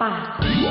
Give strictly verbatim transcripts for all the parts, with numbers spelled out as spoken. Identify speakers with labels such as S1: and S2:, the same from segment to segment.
S1: ปาก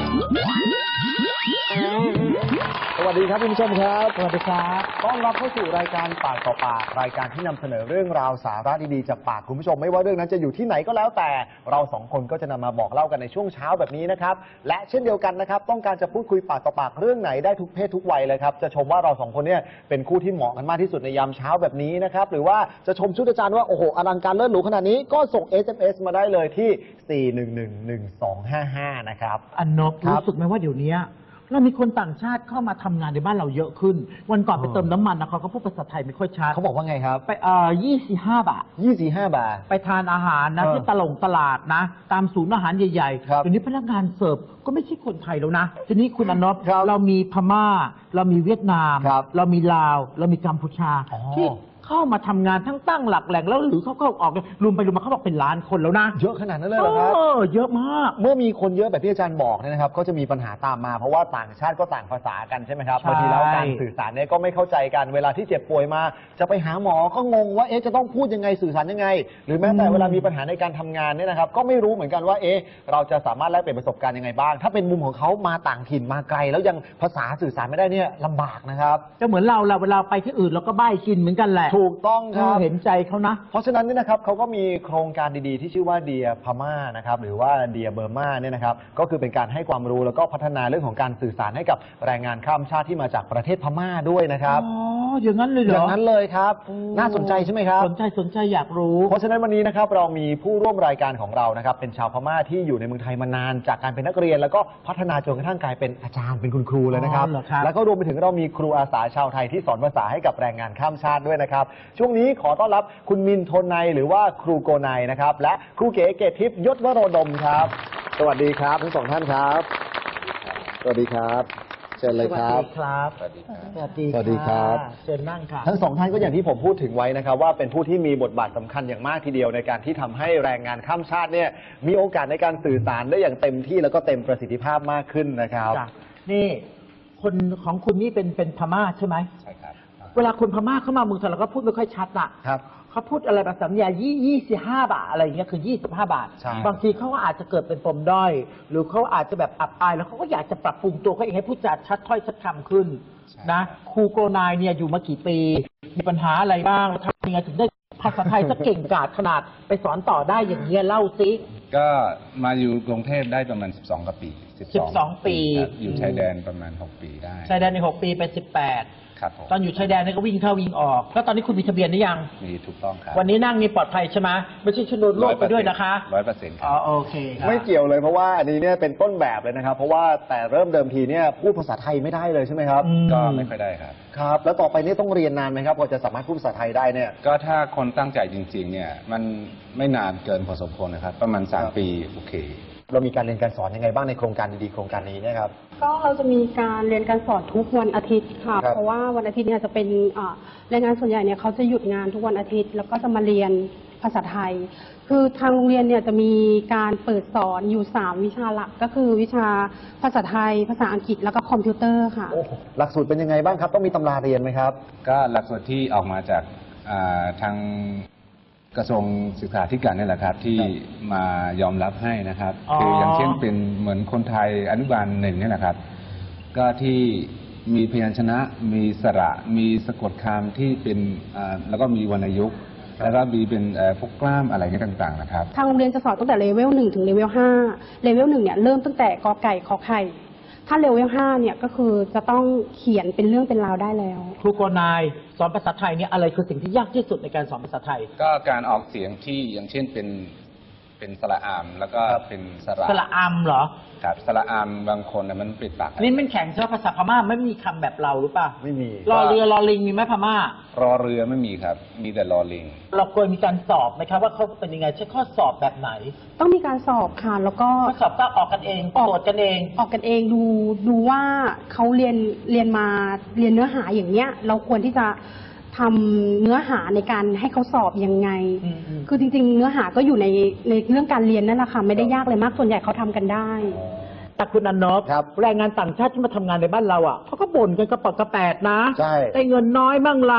S2: สวัสดีครับคุณผู้ชมครับสวัสดีครับต้อนรับเข้าสู่รายการปากต่อปากรายการที่นำเสนอเรื่องราวสาระดีๆจากปากคุณผู้ชมไม่ว่าเรื่องนั้นจะอยู่ที่ไหนก็แล้วแต่เราสองคนก็จะนำมาบอกเล่ากันในช่วงเช้าแบบนี้นะครับและเช่นเดียวกันนะครับต้องการจะพูดคุยปากต่อปากเรื่องไหนได้ทุกเพศทุกวัยเลยครับจะชมว่าเราสองคนเนี่ยเป็นคู่ที่เหมาะกันมากที่สุดในยามเช้าแบบนี้นะครับหรือว่าจะชมชุดอาจารย์ว่าโอ้โหอลังการเลิศหรูขนาดนี้ก็ส่ง เอส เอ็ม เอส มาได้เลยที่สี่ หนึ่ง หนึ่ง หนึ่ง สอง ห้า ห้านะครับ
S3: อันนบรู้สึกไหมว่าเดี๋ยวนี้เรามีคนต่างชาติเข้ามาทำงานในบ้านเราเยอะขึ้นวันก่อนไปเติมน้ำมันนะเขาก็พูดภาษาไทยไม่ค่อยชัด
S2: เขาบอกว่าไงครับ
S3: ไปเอ่อยี่สิบห้าบาท
S2: ยี่สิบห้าบาท
S3: ไปทานอาหารนะที่ตลงตลาดนะตามศูนย์อาหารใหญ่ๆเดี๋ยวนี้พนักงานเสิร์ฟก็ไม่ใช่คนไทยแล้วนะทีนี้คุณอนบเรามีพม่าเรามีเวียดนามเรามีลาวเรามีกัมพูชาที่เข้ามาทำงานทั้งตั้งหลักแหล่งแล้วหรือเขาก็ออกรวมไปรวมมาเขาบอกเป็นล้านคนแล้วนะ
S2: เยอะขนาดนั้นเลยเหรอครับ
S3: เออเยอะมาก
S2: เมื่อมีคนเยอะแบบที่อาจารย์บอกเนี่ยนะครับก็จะมีปัญหาตามมาเพราะว่าต่างชาติก็ต่างภาษากันใช่ไหมครับบางทีแล้วการสื่อสารเนี่ยก็ไม่เข้าใจกันเวลาที่เจ็บป่วยมาจะไปหาหมอก็งงว่าเอ๊ะจะต้องพูดยังไงสื่อสารยังไงหรือแม้แต่เวลามีปัญหาในการทำงานเนี่ยนะครับก็ไม่รู้เหมือนกันว่าเอ๊ะเราจะสามารถแลกเปลี่ยนประสบการณ์ยังไงบ้างถ้าเป็นมุมของเขามาต่างถิ่นมาไกลแล้วยังภาษาสื่อสารไม่ได้เนี่ยลำบากนะครับ
S3: จะเหมือนเราเราเวลาไปที่อื่นเราก็บ้ายกินเหมือนกันแหละ
S2: ถูกต้องครับ
S3: เห็นใจเขานะ
S2: เพราะฉะนั้นเนี่ยนะครับเขาก็มีโครงการดีๆที่ชื่อว่าเดียพม่านะครับหรือว่าเดียเบอร์มาเนี่ยนะครับก็คือเป็นการให้ความรู้แล้วก็พัฒนาเรื่องของการสื่อสารให้กับแรงงานข้ามชาติที่มาจากประเทศพม่าด้วยนะครับ
S3: อ๋ออย่างนั้นเลยเหรอ
S2: อย่างนั้นเลยครับน่าสนใจใช่ไหมครับ
S3: สนใจสนใจอยากรู้
S2: เพราะฉะนั้นวันนี้นะครับเรามีผู้ร่วมรายการของเรานะครับเป็นชาวพม่าที่อยู่ในเมืองไทยมานานจากการเป็นนักเรียนแล้วก็พัฒนาจนกระทั่งกลายเป็นอาจารย์เป็นคุณครูเลยนะครับแล้วก็รวมไปถึงเรามีครูอาสาชาวไทยที่สอนภาษาให้กับแรงงานข้ามชาติด้วยนะครับช่วงนี้ขอต้อนรับคุณมินโทนไนหรือว่าครูโกไนนะครับและครูเก๋เกตทิพย์ยศวโรดมครับสวัสดีครับทั้งสองท่านครับสวัสดีครับเชิญเลยครับ
S3: สวัสดีครับสวัสดี
S2: สวัสดีครับ
S3: เชิญนั่งครับ
S2: ทั้งสองท่านก็อย่างที่ผมพูดถึงไว้นะครับว่าเป็นผู้ที่มีบทบาทสำคัญอย่างมากทีเดียวในการที่ทำให้แรงงานข้ามชาติเนี่ยมีโอกาสในการสื่อสารได้อย่างเต็มที่แล้วก็เต็มประสิทธิภาพมากขึ้นนะครับ
S3: นี่คนของคุณนี่เป็นเป็นพม่าใช่ไหม
S2: ใช่ครับ
S3: เวลาคนพม่าเข้ามาเมืองไทยเราก็พูดไม่ค่อยชัดอ่ะ
S2: ครับ
S3: เขาพูดอะไรแบบสัญญายี่ยี่สิบห้าบาทอะไรอย่างเงี้ยคือยี่สิบห้าบาทบางทีเขาก็อาจจะเกิดเป็นปมด้อยหรือเขาอาจจะแบบอับอายแล้วเขาก็อยากจะปรับปรุงตัวเขาเองให้พูดจาชัดถ้อยชัดคำขึ้นนะครูโกนายเนี่ยอยู่มากี่ปีมีปัญหาอะไรบ้างทำยังไงถึงได้ภาษาไทยสักเก่งกาจขนาดไปสอนต่อได้อย่างเงี้ยเล่าซิ
S4: ก็มาอยู่กรุงเทพได้ประมาณสิบสองกว่าปี
S3: สิบสองปี
S4: อยู่ชายแดนประมาณหกปีได้
S3: ชายแดนในหกปีเป็นสิบแปดตอนอยู่ชายแดนนี่ก็วิ่งเข้าวิ่งออกแล้วตอนนี้คุณมีทะเบียนหรือยัง
S4: มีถูกต้องครับ
S3: วันนี้นั่งนี่ปลอดภัยใช่ไหมไม่ใช่ชนวนโลกไปด้วยนะคะ
S4: ร้อยเปอร์เซ็นต์ครับ
S3: อ๋อโอเคครับ
S2: ไม่เกี่ยวเลยเพราะว่าอันนี้เนี่ยเป็นต้นแบบเลยนะครับเพราะว่าแต่เริ่มเดิมทีเนี่ยพูดภาษาไทยไม่ได้เลยใช่ไหมครับ
S4: ก็ไม่ค่อยได้ครับ
S2: ครับแล้วต่อไปนี่ต้องเรียนนานไหมครับกว่าจะสามารถพูดภาษาไทยได้เนี่ย
S4: ก็ถ้าคนตั้งใจจริงๆเนี่ยมันไม่นานเกินพอสมควรนะครับประมาณสามปีโอเค
S2: เรามีการเรียนการสอนยังไงบ้างในโครงการดีๆโครงการนี้นะครับ
S1: ก็เราจะมีการเรียนการสอนทุกวันอาทิตย์ค่ะเพราะว่าวันอาทิตย์เนี่ยจะเป็นแรงงานส่วนใหญ่เนี่ยเขาจะหยุดงานทุกวันอาทิตย์แล้วก็จะมาเรียนภาษาไทยคือทางโรงเรียนเนี่ยจะมีการเปิดสอนอยู่สามวิชาหลักก็คือวิชาภาษาไทยภาษาอังกฤษแล้วก็คอมพิวเตอร์ค่ะ
S2: หลักสูตรเป็นยังไงบ้างครับต้องมีตำราเรียนไหมครับ
S4: ก็หลักสูตรที่ออกมาจากทางกระทรวงศึกษาธิการนี่แหละครับที่มายอมรับให้นะครับคืออย่างเช่นเป็นเหมือนคนไทยอนุบาลหนึ่งนี่แหละครับก็ที่มีพยัญชนะมีสระมีสะกดคำที่เป็นแล้วก็มีวรรณยุกต์แล้วก็มีเป็นพวกกล้ามอะไรนี้ต่างๆนะครับ
S1: ทางโรงเรียนจะสอนตั้งแต่เลเวลหนึ่งถึงเลเวลห้าเลเวลหนึ่งเนี่ยเริ่มตั้งแต่กอไก่ขอไข่ถ้าเลเวลห้าเนี่ยก็คือจะต้องเขียนเป็นเรื่องเป็นราวได้แล้ว
S3: ครูโกนายสอนภาษาไทยเนี่ยอะไรคือสิ่งที่ยากที่สุดในการสอนภาษาไทย
S4: ก็การออกเสียงที่อย่างเช่นเป็นเป็นสระอามแล้วก็เป็นสระ
S3: สระอามเหรอ
S4: ครับสระอามบางคนมันปิดปาก
S3: นี่มันแข็งใช่ไหมภาษาพม่าไม่มีคำแบบเราหรือเปล่า
S2: ไม่มี
S3: รอเรือรอลิงมีไหมพม่าร
S4: อเรือไม่มีครับมีแต่รอลิง
S3: เราควรมีการสอบไหมครับว่าเขาเป็นยังไงใช้ข้อสอบแบบไหน
S1: ต้องมีการสอบค่ะแล้วก็
S3: ข้อสอบก็ออกกันเองตรวจกันเอง
S1: ออกกันเองดูดูว่าเขาเรียนเรียนมาเรียนเนื้อหาอย่างเนี้ยเราควรที่จะทำเนื้อหาในการให้เขาสอบยังไงคือจริงๆเนื้อหาก็อยู่ในในเรื่องการเรียนนั่นแหละค่ะไม่ได้ยากเลยมากส่วนใหญ่เขาทำกันได้
S3: แต่คุณอนบแรงงานต่างชาติที่มาทำงานในบ้านเราอ่ะเขาก็บ่นกันกระปอกกระแปดนะได้เงินน้อยบ้างละ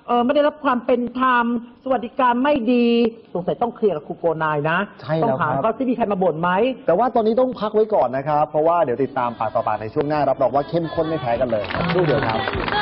S3: เออไม่ได้รับความเป็นธรรมสวัสดิการไม่ดีสงสัยต้องเคลียร์กับครูโกนายนะ
S2: ใช่
S3: ต้อ
S2: แล้ว
S3: งถาม
S2: ครับ
S3: เขาที่มีใครมาบ่นไหม
S2: แต่ว่าตอนนี้ต้องพักไว้ก่อนนะครับ เพราะว่าเดี๋ยวติดตามปากต่อปากในช่วงหน้ารับรองว่าเข้มข้นไม่แพ้กันเลยสักครู่เดียวครับ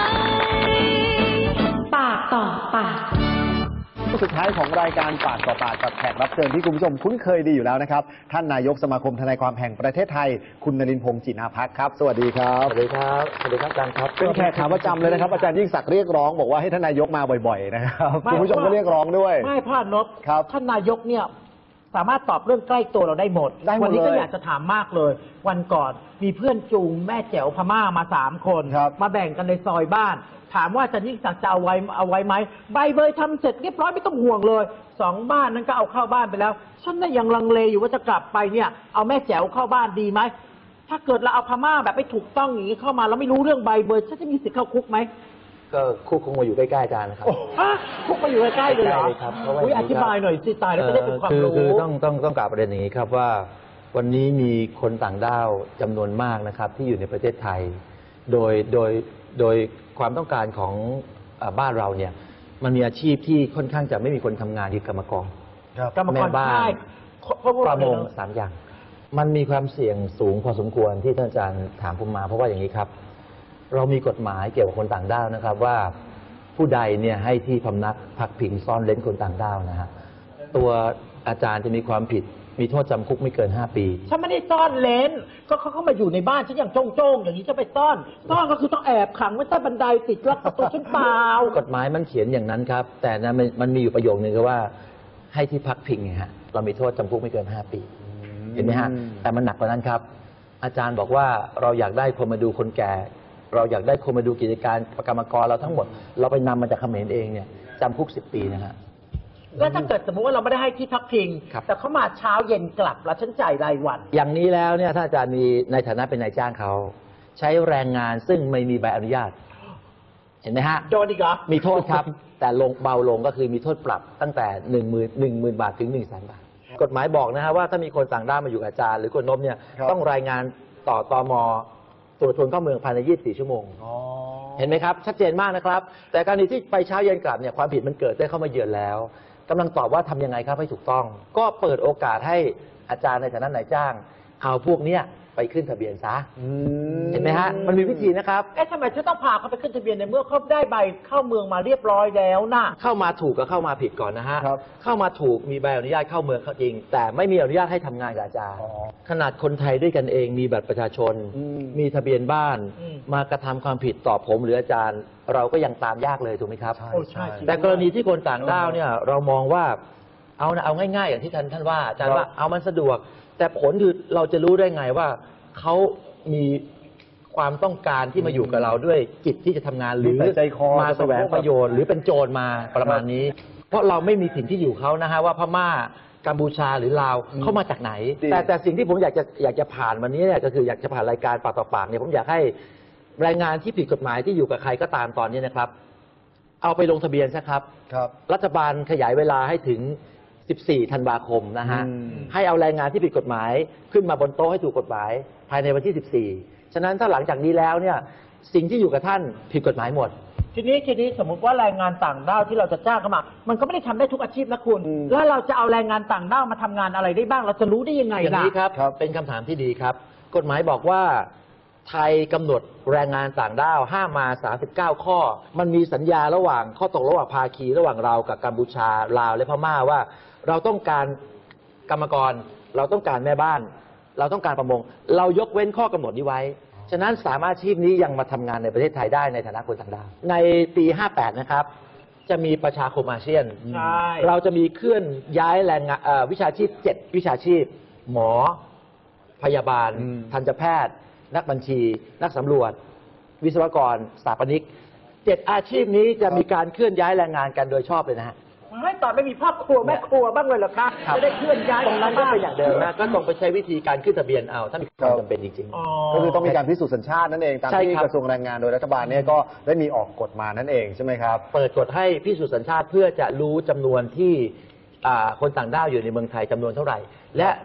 S5: ปากต่อปาก
S2: สุดท้ายของรายการปากต่อปากกับแขกรับเชิญที่คุณผู้ชมคุ้นเคยดีอยู่แล้วนะครับท่านนายกสมาคมทนายความแห่งประเทศไทยคุณนรินทร์พงษ์จินาภักดิ์ครับสวัสดีครับ
S6: สวัสดีครับสวัสดีครับอาจารย์ครับ
S2: เป็นแขกขาประจำเลยนะครับอาจารย์ยิ่งศักดิ์เรียกร้องบอกว่าให้ท่านนายกมาบ่อยๆนะครับ
S3: ไม่
S2: คุณผู้ชมก็เรียกร้องด้วย
S3: ไม่พลาดนก
S2: ครับ
S3: ท่านนายกเนี่ยสามารถตอบเรื่องใกล้ตัวเราได้หมด
S2: ได้หมด
S3: วันี้ก็
S2: เลย
S3: อยากจะถามมากเลย วันก่อนมีเพื่อนจูงแม่แจ๋วพม่ามาสามคน
S2: ครับ
S3: มาแบ่งกันในซอยบ้าน ถามว่าอาจารย์ยิ่งศักดิ์จะเอาไว้เอาไว้ไหมใบเบยทำเสร็จเรียบร้อยไม่ต้องห่วงเลยสองบ้านนั้นก็เอาเข้าบ้านไปแล้วฉันน่ะยังลังเลอยู่ว่าจะกลับไปเนี่ยเอาแม่แจ๋วเข้าบ้านดีไหมถ้าเกิดเราเอาพม่าแบบไม่ถูกต้องอย่างนี้เข้ามาแล้วไม่รู้เรื่องใบเบยฉันจะมีสิทธิ์เข้าคุกไหม
S6: ก็คุกคงมาอยู่ใกล้ๆอาจารย์นะครับ
S3: ฮะคุกมาอยู่ใกล้ๆเลยเหรอ
S6: ใกล้ๆเลยครับเพราะว่า
S3: อุ๊ยอธิบายหน่อยสิตายแล้วจะได้เป็นความ
S6: คือ
S3: รู้
S6: คือต้องต้องต้องกล่าวประเด็นอย่างนี้ครับว่า วันนี้มีคนต่างด้าวจำนวนมากนะครับ ที่อยู่ในประเทศไทย โดยโดยโดยความต้องการของอ่าบ้านเราเนี่ยมันมีอาชีพที่ค่อนข้างจะไม่มีคนทำงานคือกรรมกร
S3: กรรมกร
S6: แม่บ้าน
S3: ใช่เพราะว่า
S6: ประมงสามอย่าง มันมีความเสี่ยงสูงพอสมควรที่ท่านอาจารย์ถามผมมา เพราะว่าอย่างนี้ครับ เรามีกฎหมายเกี่ยวกับคนต่างด้าวนะครับว่าผู้ใดเนี่ยให้ที่พำนักพักพิงซ่อนเร้นคนต่างด้าวนะฮะตัวอาจารย์จะมีความผิดมีโทษจำคุกไม่เกินห้าปี
S3: ฉันไม่ได้ซ่อนเลนก็เขาเข้ามาอยู่ในบ้านฉันอย่างโจ้งๆอย่างนี้จะไปซ่อนซ่อนก็คือต้องแอบขังไว้ใต้บันไดติดล็อกประตูฉันเปล่าก
S6: ฎหมายมันเขียนอย่างนั้นครับ แต่นะมันมันมีอยู่ประโยคนึงก็ว่าให้ที่พักพิงไงฮะเรามีโทษจำคุกไม่เกินห้าปี เห็นไหมฮะแต่มันหนักกว่านั้นครับ อาจารย์บอกว่าเราอยากได้คนมาดูคนแก่ เราอยากได้คนมาดูกิจการกรรมกรเราทั้งหมด เราไปนำมาจากเขมรเองเนี่ยจำคุกสิบปีนะฮะ
S3: แล้วถ้าเกิดสมมติว่าเราไม่ได้ให้ที่พักพิง
S6: ครับ
S3: แต่เขามาเช้าเย็นกลับแล้วฉันจ่ายรายวัน
S6: อย่างนี้แล้วเนี่ยถ้าอาจารย์มีในฐานะเป็นนายจ้างเขา ใช้แรงงานซึ่งไม่มีใบอนุญาต เห็นไหมฮะ
S3: โดนอีกเหรอ
S6: มีโทษครับ แต่ลงเบาลงก็คือมีโทษปรับตั้งแต่หนึ่งหมื่นหนึ่งหมื่นบาทถึงหนึ่งแสนบาท กฎหมายบอกนะฮะว่าถ้ามีคนต่างด้าวมาอยู่กับอาจารย์หรือคนนบเนี่ย
S2: ครับ
S6: ต้องรายงานต่อตมตรวจคนเข้าเมืองภายในยี่สิบสี่ชั่วโมง
S2: อ๋อ
S6: เห็นไหมครับ ชัดเจนมากนะครับ แต่กรณีที่ไปเช้าเย็นกลับเนี่ยความผิดมันเกิดได้เข้ามาเยือนแล้วกำลังตอบว่าทำยังไงครับให้ถูกต้อง ก็เปิดโอกาสให้อาจารย์ในฐานะนายจ้าง เอาพวกเนี้ยไปขึ้นทะเบียนซะ
S2: อืม
S6: เห็นไหมฮะมันมีวิธีนะครับ
S3: เอ๊ะทำไมฉันต้องพาเขาไปขึ้นทะเบียนในเมื่อเขาได้ใบเข้าเมืองมาเรียบร้อยแล้วน่ะ
S6: เข้ามาถูกกับเข้ามาผิดก่อนนะฮะ
S2: ครับ
S6: เข้ามาถูกมีใบอนุญาตเข้าเมืองเขาจริง แต่ไม่มีอนุญาตให้ทำงานกับอาจารย์
S2: อ๋อ
S6: ขนาดคนไทยด้วยกันเองมีบัตรประชาชน
S2: อืม
S6: มีทะเบียนบ้าน
S3: อืม
S6: มากระทำความผิดต่อผมหรืออาจารย์ เราก็ยังตามยากเลยถูกไหมครับ
S2: ใช่
S3: โอ้ใช่
S2: ใช่
S6: แต่กรณีที่คนต่างด้าวเนี่ยเรามองว่าเอานะเอาง่ายๆ อย่างที่ท่านท่านว่าอาจารย์ว่าเอามันสะดวก แต่ผลคือเราจะรู้ได้ไงว่าเขามีความต้องการที่มาอยู่กับเราด้วยจิตที่จะทำงานหรือ
S2: มีใจคอ
S6: มาแสวงประโยชน์หรือเป็นโจรมาประมาณนี้ เพราะเราไม่มีถิ่นที่อยู่เขานะฮะว่าพม่ากัมพูชาหรือลาวเขามาจากไหน แต่แต่สิ่งที่ผมอยากจะอยากจะผ่านวันนี้เนี่ยก็คืออยากจะผ่านรายการปากต่อปากเนี่ยผมอยากให้แรงงานที่ผิดกฎหมายที่อยู่กับใครก็ตามตอนนี้นะครับ เอาไปลงทะเบียนซะครับ
S2: ครับ
S6: รัฐบาลขยายเวลาให้ถึง สิบสี่ ธันวาคมนะฮะ
S2: อืม
S6: ให้เอาแรงงานที่ผิดกฎหมายขึ้นมาบนโต๊ะให้ถูกกฎหมาย ภายในวันที่ สิบสี่ ฉะนั้นถ้าหลังจากนี้แล้วเนี่ยสิ่งที่อยู่กับท่านผิดกฎหมายหมด
S3: ทีนี้ทีนี้สมมติว่าแรงงานต่างด้าวที่เราจะจ้างเข้ามา มันก็ไม่ได้ทำได้ทุกอาชีพนะคุณ
S2: อืม
S3: แล้วเราจะเอาแรงงานต่างด้าวมาทำงานอะไรได้บ้าง เราจะรู้ได้ยังไง
S6: อย่าง
S3: ล่ะ
S6: นี้ครับ
S2: ครับ
S6: เป็นคำถามที่ดีครับ กฎหมายบอกว่าไทยกำหนดแรงงานต่างด้าวห้ามมาสามสิบเก้าข้อ มันมีสัญญาระหว่างข้อตกลงระหว่างภาคีระหว่างเรากับกัมพูชาลาวและพม่าว่า เราต้องการกรรมกร เราต้องการแม่บ้าน เราต้องการประมง เรายกเว้นข้อกำหนดนี้ไว้ ฉะนั้นสามอาชีพนี้ยังมาทำงานในประเทศไทยได้ในฐานะคนต่างด้าวในปีห้าแปดนะครับจะมีประชาคมอาเซียน
S3: ใช่
S6: เราจะมีเคลื่อนย้ายแรงงานเอ่อวิชาชีพเจ็ดวิชาชีพ หมอ พยาบาล
S2: อืม
S6: ทันตแพทย์ นักบัญชี นักสำรวจ วิศวกรสถาปนิกเจ็ดอาชีพนี้จะมีการเคลื่อนย้ายแรงงานกันโดยชอบเลยนะฮะ
S3: ไม่ตอนไม่มีพ่อครัวแม่ครัวบ้างเลยเหรอคะ
S6: ครับ
S3: จะได้เคลื่อนย้าย
S6: ตรงนั้นก็เป็นอย่างเดิมนะก็ต้องไปใช้วิธีการขึ้นทะเบียนเอาถ้ามีความจำเป็นจริง
S3: อ๋อ
S2: ก็คือต้องมีการพิสูจน์สัญชาตินั่นเองตาม
S6: ใช่
S2: ที่
S6: ครับ
S2: กระทรวงแรงงานโดยรัฐบาลเนี่ยก็ได้มีออกกฎมานั่นเองใช่ไหมครับ
S6: ๆ เปิดกฎให้พิสูจน์สัญชาติเพื่อจะรู้จำนวนที่อ่าคนต่างด้าวอยู่ในเมืองไทยจำนวนเท่าไหร่ และห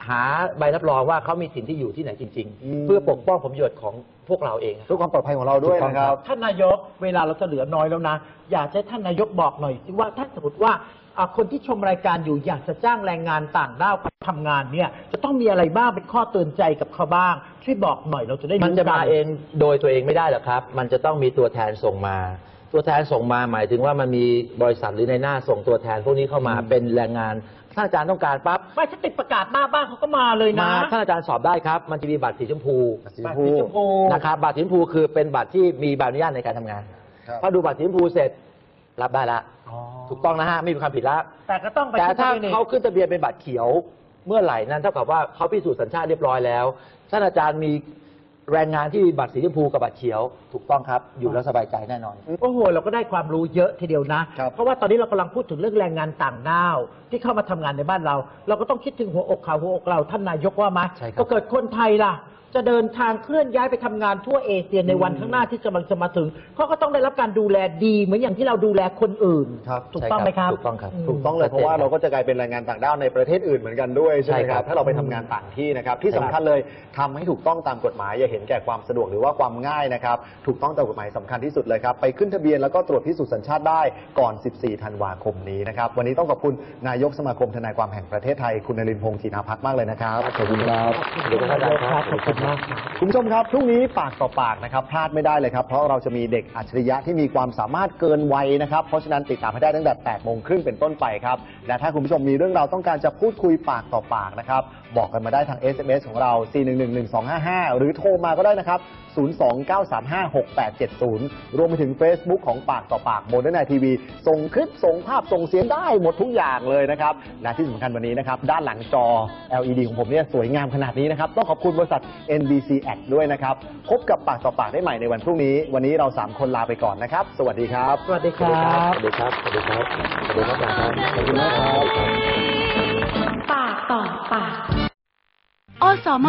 S6: หาใบรับรองว่าเขามีถิ่นที่อยู่ที่ไหนจริง
S2: อืม
S6: ๆ เพื่อปกป้องผลประโยชน์ของพวกเราเอง
S2: เพื่อความปลอดภัยของเราด้วยนะครับ
S3: ท่านนายกเวลาเราจะเหลือน้อยแล้วนะ อยากให้ท่านนายกบอกหน่อยสิว่าถ้าสมมติว่าอ่าคนที่ชมรายการอยู่อยากจะจ้างแรงงานต่างด้าวมาทำงานเนี่ยจะต้องมีอะไรบ้างเป็นข้อเตือนใจกับเขาบ้างช่วยบอกหน่อยเราจะได้รู้
S6: มันจะมา
S3: กั
S6: เองโดยตัวเองไม่ได้หรอกครับ มันจะต้องมีตัวแทนส่งมา ตัวแทนส่งมาหมายถึงว่ามันมีบริษัทหรือในหน้าส่งตัวแทนพวกนี้เข้ามาเป็นแรงงานถ้าอาจารย์ต้องการปั๊บ
S3: ไม่ถ้าติดประกาศหน้าบ้านเขาก็มาเลยนะ
S6: มาถ้าอาจารย์สอบได้ครับ มันจะมีบัตรสีชมพู
S2: สีช
S3: บัต
S2: ม
S3: ร
S2: พู
S3: สีชมพู
S6: นะครับบัตรสีชมพูคือเป็นบัตรที่มีใบอนุญาตในการทำงาน
S2: ครับ
S6: พอดูบัตรสีชมพูเสร็จรับได้ละ
S3: อ๋อ
S6: ถูกต้องนะฮะไม่มีความผิดละ
S3: แต่ก็ต้องไป
S6: แต่ถ้า
S3: ขึ้นทะบียน
S6: เขาขึ้นทะเบียนเป็นบัตรเขียวเมื่อไหร่นั้นเท่ากับว่าเขาพิสูจน์สัญชาติเรียบร้อยแล้วท่านอาจารย์มีแรงงานที่มีบัตรสีชมพูกับบัตรเขียวถูกต้องครับอยู่แล้วสบายใจแน่นอน
S3: โอ้โหเราก็ได้ความรู้เยอะทีเดียวนะ
S2: ครับ
S3: เพราะว่าตอนนี้เรากำลังพูดถึงเรื่องแรงงานต่างด้าวที่เข้ามาทำงานในบ้านเรา เราก็ต้องคิดถึงหัวอกเขาหัวอกเราท่านนายกว่าไหม
S6: ใช่ครับ
S3: ก็เกิดคนไทยล่ะ จะเดินทางเคลื่อนย้ายไปทำงานทั่วเอเชียในวันข้างหน้าที่กำลังจะมาถึงเขาก็ต้องได้รับการดูแลดีเหมือนอย่างที่เราดูแลคนอื่น
S2: ครับ
S3: ถูกต้องไหมครับ
S6: ถูกต้องครับ
S2: ถูกต้องเลยเพราะว่าเราก็จะกลายเป็นแรงงานต่างด้าวในประเทศอื่นเหมือนกันด้วยใช่ไหม
S6: ใช่
S2: ค
S6: ครั
S2: รับบ ถ้าเราไปทำงานต่างที่นะครับที่สำคัญเลยทำให้ถูกต้องตามกฎหมายอย่าเห็นแก่ความสะดวกหรือว่าความง่ายนะครับถูกต้องตามกฎหมายสำคัญที่สุดเลยครับไปขึ้นทะเบียนแล้วก็ตรวจพิสูจน์สัญชาติได้ก่อน สิบสี่ ธันวาคมนี้นะครับวันนี้ต้องขอบคุณนายกสมาคมทนายความแห่งประเทศไทยคุณนรินทร์พงษ์ธีนาภักดิ์มากเลยนะครับขอบคุณครับ
S3: ขอบคุณครับอาจารย์ครับขอบคุณมากครับ
S2: คุณผู้ชมครับพรุ่งนี้ปากต่อปากนะครับพลาดไม่ได้เลยครับเพราะเราจะมีเด็กอัจฉริยะที่มีความสามารถเกินวัยนะครับเพราะฉะนั้นติดตามให้ได้ตั้งแต่แปดโมงครึ่งเป็นต้นไปครับและถ้าคุณผู้ชมมีเรื่องราวต้องการจะพูดคุยปากต่อปากนะครับบอกกันมาได้ทาง เอส เอ็ม เอส ของเรา สี่ หนึ่ง หนึ่ง หนึ่ง สอง ห้า ห้า หรือโทรมาก็ได้นะครับ ศูนย์ สอง เก้า สาม ห้า หก แปด เจ็ด ศูนย์ รวมไปถึง Facebook ของปากต่อปากโมเดิร์นไนทีวีส่งคลิปส่งภาพส่งเสียงได้หมดทุกอย่างเลยนะครับและที่สำคัญวันนี้นะครับด้านหลังจอ แอล อี ดี ของผมเนี่ยสวยงามขนาดนี้นะครับต้องขอบคุณบริษัท เอ็น บี ซี แอด ด้วยนะครับพบกับปากต่อปากได้ใหม่ในวันพรุ่งนี้วันนี้เราสามคนลาไปก่อนนะครับสวัสดีครับ
S3: สวัสดีครับ
S6: สวัสดีครับ สวัสดีครับ สวัสดีครับอาจารย์ครับ
S2: ขอบคุณมากครับ
S5: ปากต่อปากอสม